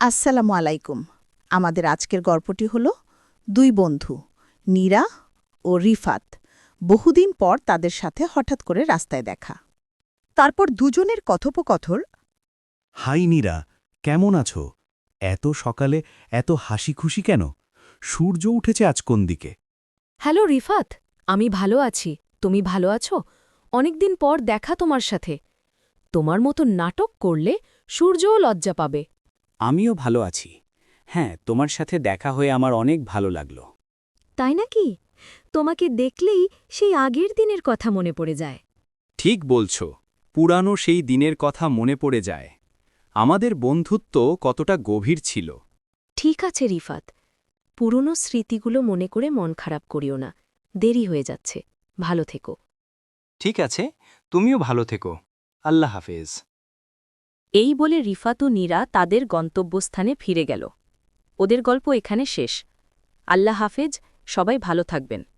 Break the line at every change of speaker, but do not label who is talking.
আসসালামু আলাইকুম। আমাদের আজকের গল্পটি হল দুই বন্ধু নীরা ও রিফাত। বহুদিন পর তাদের সাথে হঠাৎ করে রাস্তায় দেখা। তারপর দুজনের কথোপকথন।
হাই নীরা, কেমন আছো? এত সকালে এত হাসি খুশি কেন? সূর্য উঠেছে আজ কোন দিকে?
হ্যালো রিফাত, আমি ভালো আছি। তুমি ভালো আছো? অনেকদিন পর দেখা তোমার সাথে। তোমার মতো নাটক করলে সূর্যও লজ্জা পাবে।
আমিও ভালো আছি। হ্যাঁ, তোমার সাথে দেখা হয়ে আমার অনেক ভালো লাগলো।
তাই নাকি? তোমাকে দেখলেই সেই আগের দিনের কথা মনে পড়ে যায়।
ঠিক বলছ, পুরানো সেই দিনের কথা মনে পড়ে যায়। আমাদের বন্ধুত্ব কতটা গভীর ছিল।
ঠিক আছে রিফাত, পুরনো স্মৃতিগুলো মনে করে মন খারাপ করিও না। দেরি হয়ে যাচ্ছে। ভালো থেকো।
ঠিক আছে, তুমিও ভালো থেকো। আল্লাহ হাফেজ।
এই বলে রিফাত ও নীরা তাদের গন্তব্যস্থানে ফিরে গেল। ওদের গল্প এখানে শেষ। আল্লাহ হাফেজ, সবাই ভালো থাকবেন।